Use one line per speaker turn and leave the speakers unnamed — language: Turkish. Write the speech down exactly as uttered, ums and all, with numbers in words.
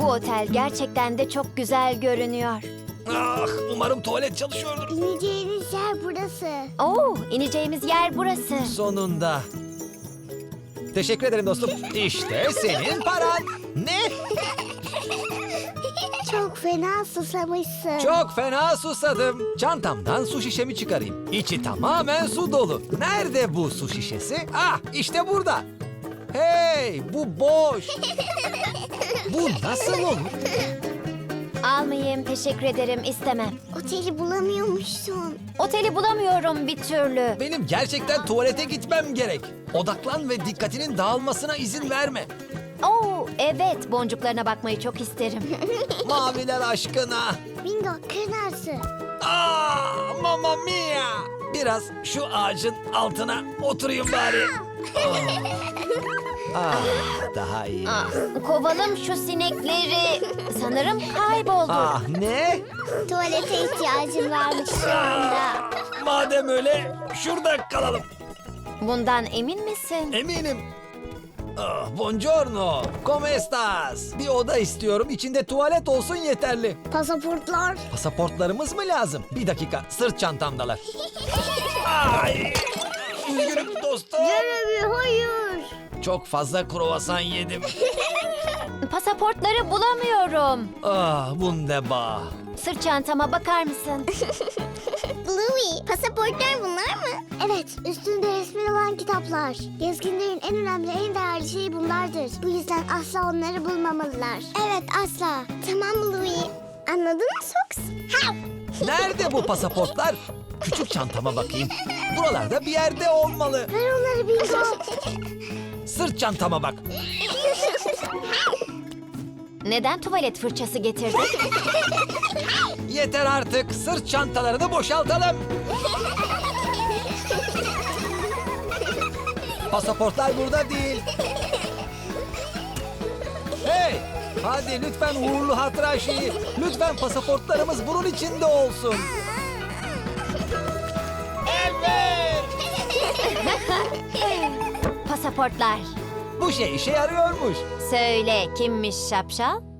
Bu otel gerçekten de çok güzel görünüyor.
Ah, umarım tuvalet çalışıyordur.
İneceğiniz yer burası.
Oo, ineceğimiz yer burası.
Sonunda. Teşekkür ederim dostum. İşte senin paran. Ne?
Çok fena susamışsın.
Çok fena susadım. Çantamdan su şişemi çıkarayım. İçi tamamen su dolu. Nerede bu su şişesi? Ah, işte burada. Hey, bu boş. Bu nasıl olur?
Almayayım, teşekkür ederim, istemem.
Oteli bulamıyormuşsun.
Oteli bulamıyorum bir türlü.
Benim gerçekten tuvalete gitmem gerek. Odaklan ve dikkatinin dağılmasına izin verme.
Oo, evet, boncuklarına bakmayı çok isterim.
Maviler aşkına.
Bingo, kırnarsın.
Aa, mamma mia. Biraz şu ağacın altına oturayım bari. Ah, ah, daha iyi.
Ah, kovalım şu sinekleri. Sanırım kayboldu.
Ah, ne?
Tuvalete ihtiyacın varmış şu anda.
Madem öyle şurada kalalım.
Bundan emin misin?
Eminim. Ah, buongiorno. Come estas? Bir oda istiyorum. İçinde tuvalet olsun yeterli.
Pasaportlar.
Pasaportlarımız mı lazım? Bir dakika. Sırt çantamdalar. Ay! Üzgünüm dostum.
Jeremy, hayır.
Çok fazla kruvasan yedim.
Pasaportları bulamıyorum.
Ah, wunderbar.
Sırt çantama bakar mısın?
Bluey, pasaportlar bunlar mı? Evet, üstünde resmi olan kitaplar. Gezginlerin en önemli, en değerli şeyi bunlardır. Bu yüzden asla onları bulmamalılar. Evet, asla. Tamam Bluey. Anladın mı Sox? Ha!
Nerede bu pasaportlar? Küçük çantama bakayım. Buralarda bir yerde olmalı.
Ver onları Bingo.
Sırt çantama bak.
Neden tuvalet fırçası getirdin?
Yeter artık. Sırt çantalarını boşaltalım. Pasaportlar burada değil. Hey! Hadi lütfen uğurlu hatıra şeyi. Lütfen pasaportlarımız bunun içinde olsun. Evet!
Pasaportlar.
Bu şey işe yarıyormuş.
Söyle, kimmiş şapşal?